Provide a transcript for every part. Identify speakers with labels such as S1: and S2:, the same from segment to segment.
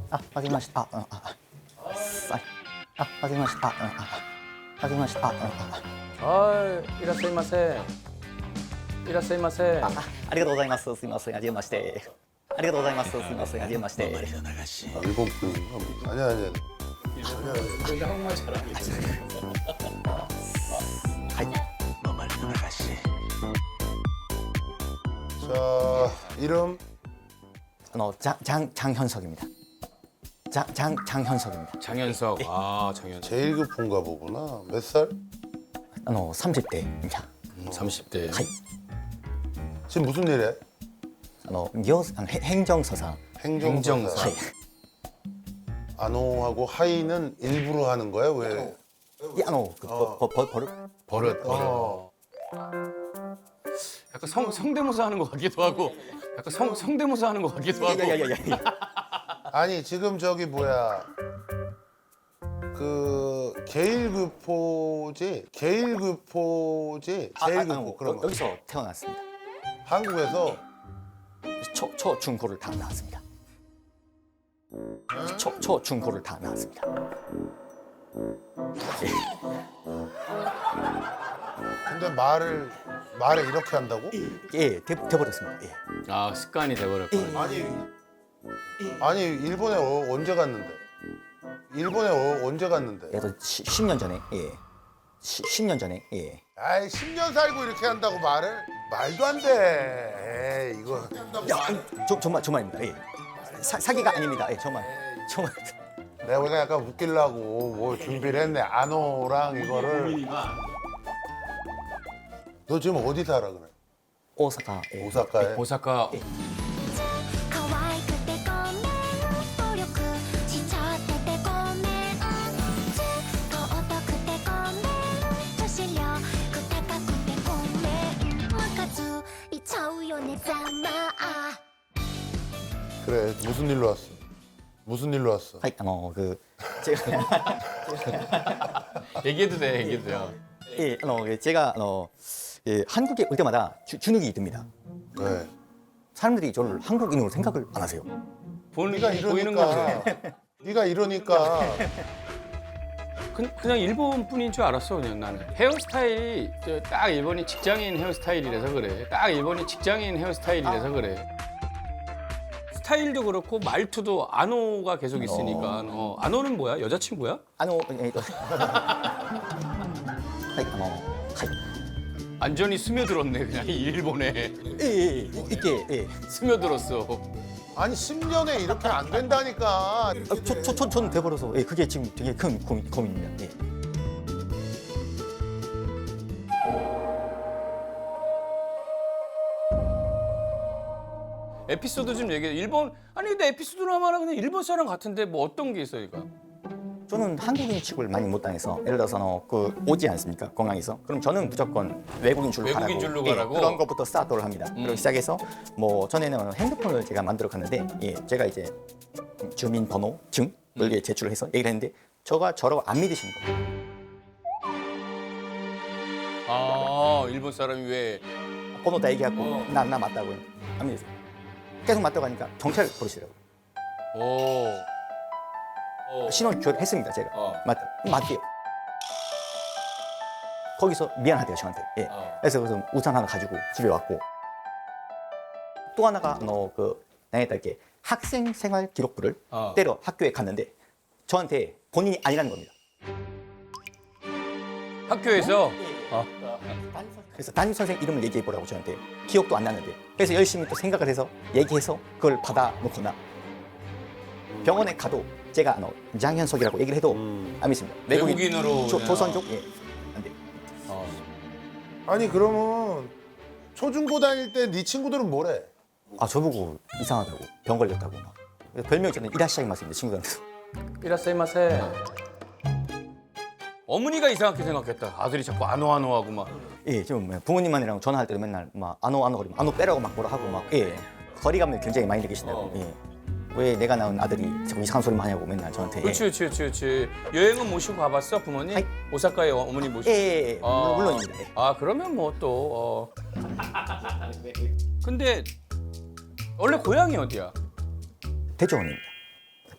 S1: わかりました。わかりました。わかりました。
S2: いらっしゃいませ。いらっしゃいませ。
S1: ありがとうございます。すみません。はじめまして。ありがとうございます。すみません。はじめまして。
S3: 일본 분인가? 아니야. 자, 이름
S1: 장현석입니다. 장현석입니다.
S2: 장현석. 아, 장현석.
S3: 제일 급한가 보구나. 몇 살?
S1: 30대입니다.
S2: 30대.
S3: 지금 무슨 일해?
S1: 행정서사.
S3: 행정사.
S1: 하이.
S3: 안호하고 하이는 일부러 하는 거야? 왜?
S2: 버릇. 약간 성대모사 하는 것 같기도 하고. 약간 성대모사 하는 것 같기도 하고.
S3: 아니 지금 저기 뭐야 그 계일교포지 제일교포 그런 거
S1: 여기서 태어났습니다.
S3: 한국에서
S1: 초중고를 다 나왔습니다. 초중고를 다 나왔습니다.
S3: 근데 말을 이렇게 한다고?
S1: 예, 돼버렸습니다. 예.
S2: 아, 습관이 돼버렸구나.
S3: 아니 일본에 언제 갔는데?
S1: 그래도 10년 전에 예. 10년 전에 예.
S3: 아이 10년 살고 이렇게 한다고 말을? 말도 안 돼. 에이, 이거
S1: 정말입니다. 예. 사기가 아닙니다. 예, 정말.
S3: 내가 보니까 약간 웃기려고 뭐 준비를 했네. 안호랑 이거를. 너 지금 어디 살아 그래?
S1: 오사카. 예.
S3: 오사카에?
S2: 오사카.
S4: 可愛くてごめん暴力しちゃっててごめんずっとお得てごめん女子力高くてごめんムカついちゃうよねざまあ
S3: 그래 무슨 일로 왔어? 무슨 일로 왔어?
S1: はい、제가
S2: 얘기해도 돼요.
S1: 예, 제가 예, 한국에 올 때마다 주눅이 듭니다.
S3: 네.
S1: 사람들이 저를 한국인으로 생각을 안 하세요.
S3: 네가
S2: 보이는 거죠.
S3: 이러니까 네가 이러니까
S2: 그냥 일본 분인 줄 알았어, 그냥 나는. 헤어스타일이 딱 일본이 직장인 헤어스타일이라서 그래. 딱 일본이 직장인 헤어스타일이라서 그래. 스타일도 그렇고 말투도 안호가 계속 있으니까. 안호는 뭐야? 여자친구야?
S1: 예,はい、はい.
S2: 완전히 스며들었네, 그냥 이 일본에.
S1: 이게 예.
S2: 스며들었어.
S3: 아니 10년에 이렇게 안 된다니까.
S1: 저는 돼버려서 예, 그게 지금 되게 큰 고민입니다. 예.
S2: 에피소드 좀 얘기해. 일본, 아니 근데 에피소드로 하면 그냥 일본 사람 같은데 뭐 어떤 게 있어, 이거?
S1: 저는 한국인 취급을 많이 못 당해서 예를 들어서 오지 않습니까 공항에서 그럼 저는 무조건 외국인 줄로
S2: 외국인
S1: 가라고,
S2: 줄로
S1: 예,
S2: 가라고?
S1: 그런 것부터 스타트를 합니다. 그리고 시작해서 뭐 전에는 핸드폰을 제가 만들어 갔는데 예, 제가 이제 주민번호증을 예, 제출을 해서 얘기를 했는데 저라고 안 믿으시는 거예요.
S2: 아, 일본 사람이 왜?
S1: 번호 다 얘기하고 나 맞다고 안 믿으세요. 계속 맞다고 하니까 경찰 부르시더라고요. 신원 교육했습니다 제가. 맞대요. 거기서 미안하대요 저한테. 예. 그래서 우산 하나 가지고 집에 왔고 또 하나가 나에다 이렇게 학생 생활 기록부를 떼러 학교에 갔는데 저한테 본인이 아니라는 겁니다.
S2: 학교에서?
S1: 그래서 담임 선생 이름을 얘기해 보라고 저한테 기억도 안 나는데 그래서 열심히 또 생각을 해서 얘기해서 그걸 받아 놓거나 병원에 가도 제가 장현석이라고 얘기를 해도 안 믿습니다.
S2: 외국인으로 그냥.
S1: 조선족 예, 안 돼.
S3: 아니 그러면 초중고 다닐 때 네 친구들은 뭐래?
S1: 아 저보고 이상하다고 병 걸렸다고 막 별명이 저는 이라시아이마스입니다 친구들한테서.
S2: 이라세이마세. 어머니가 이상하게 생각했다. 아들이 자꾸 안호하고 막.
S1: 예, 지금 부모님만이랑 전화할 때도 맨날 막 안오 거리면 안오 빼라고 막 뭐라 하고 막 예. 거리감을 굉장히 많이 느끼신다고. 예. 왜 내가 낳은 아들이 자꾸 이상한 소리만 하냐고 맨날 저한테.
S2: 그렇지. 여행은 모시고 가봤어, 부모님?
S1: 하이.
S2: 오사카에 어머니 모시고.
S1: 예. 물론입니다. 예.
S2: 아, 그러면 뭐 또. 근데 원래 고향이 어디야?
S1: 대전입니다.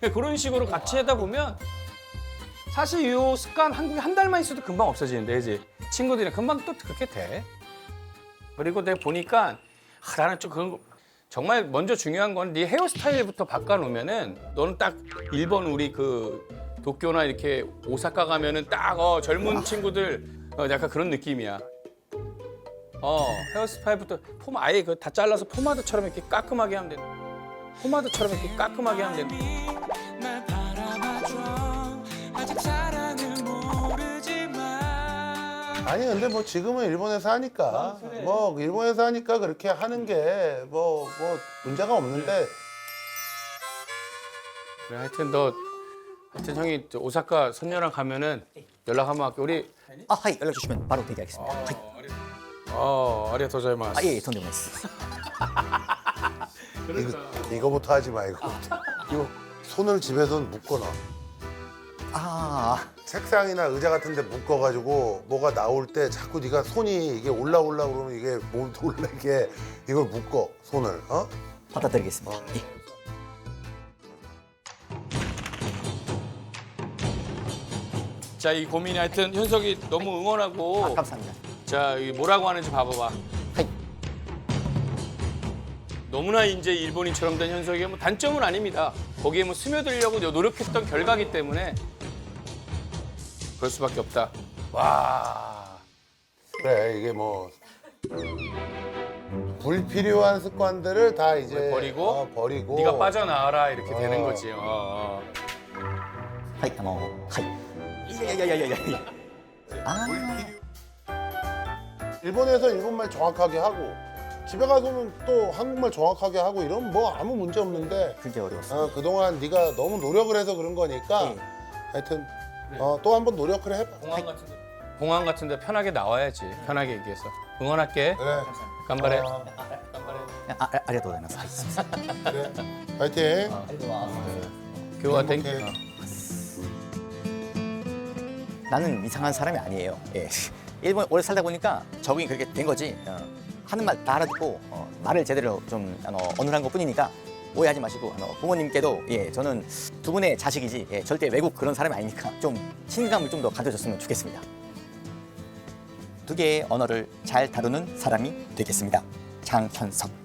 S2: 그런 식으로 같이 하다 보면 사실 이 습관 한국에 한 달만 있어도 금방 없어지는데, 그지? 친구들이랑 금방 또 그렇게 돼. 그리고 내가 보니까 나는 좀 그런 거 정말 먼저 중요한 건 네 헤어스타일부터 바꿔놓으면은 너는 딱 일본 우리 그 도쿄나 이렇게 오사카 가면은 딱 젊은 친구들 약간 그런 느낌이야. 헤어스타일부터 아예 그 다 잘라서 포마드처럼 이렇게 깔끔하게 하면 돼. 포마드처럼 이렇게 깔끔하게 하면 돼.
S5: 날 바라봐줘 아직 사랑을 모르지만
S3: 아니 근데 뭐 지금은 일본에서 하니까 뭐 일본에서 하니까 그렇게 하는 게 뭐 문제가 없는데
S2: 그래, 하여튼 형이 저 오사카 선녀랑 가면은 연락 한번 할게. 우리
S1: 아, 하이 연락 주시면 바로 대기하겠습니다. 하이.
S2: 아리가토 고자이마스.
S1: 아, 예, 돈데모나이스.
S3: 이거부터 하지 마 이거. 손을 집에서는 묶어놔.
S1: 아,
S3: 책상이나 의자 같은 데 묶어가지고 뭐가 나올 때 자꾸 네가 손이 이게 올라오려고 그러면 이게 못 올라게 이걸 묶어 손을
S1: 받아드리겠습니다. 예.
S2: 자, 이 고민이 하여튼 현석이 너무 응원하고.
S1: 아, 감사합니다.
S2: 자, 이 뭐라고 하는지 봐봐봐.
S1: 하이.
S2: 너무나 이제 일본인처럼 된 현석이가 뭐 단점은 아닙니다. 거기에 뭐 스며들려고 노력했던 결과기 때문에 그럴 수밖에 없다. 와.
S3: 그래 이게 뭐 불필요한 습관들을 다 이제
S2: 버리고
S3: 버리고
S2: 네가 빠져나와라 이렇게 되는
S3: 어.
S2: 거지.
S1: 하이, 하이. 야야야야야. 아,
S3: 일본에서 일본말 정확하게 하고 집에 가서는 또 한국말 정확하게 하고 이러면 뭐 아무 문제 없는데
S1: 그게 어려웠어.
S3: 그동안 네가 너무 노력을 해서 그런 거니까
S1: 네.
S3: 하여튼 또 한번 노력을 해봐.
S2: 공항 같은데 편하게 나와야지. 편하게 얘기해서 응원할게.
S3: 그래.
S2: 간발해.
S1: 아리가또 고자이마스.
S3: 그래. 파이팅.
S2: 교화 땡.
S3: 행복해.
S1: 나는 이상한 사람이 아니에요. 예. 일본에 오래 살다 보니까 적응이 그렇게 된 거지. 하는 말 다 알아듣고 말을 제대로 좀 어눌한 것뿐이니까 오해하지 마시고 부모님께도 예, 저는 두 분의 자식이지 예, 절대 외국 그런 사람이 아니니까 좀 친감을 좀 더 가져줬으면 좋겠습니다. 두 개의 언어를 잘 다루는 사람이 되겠습니다. 장현석.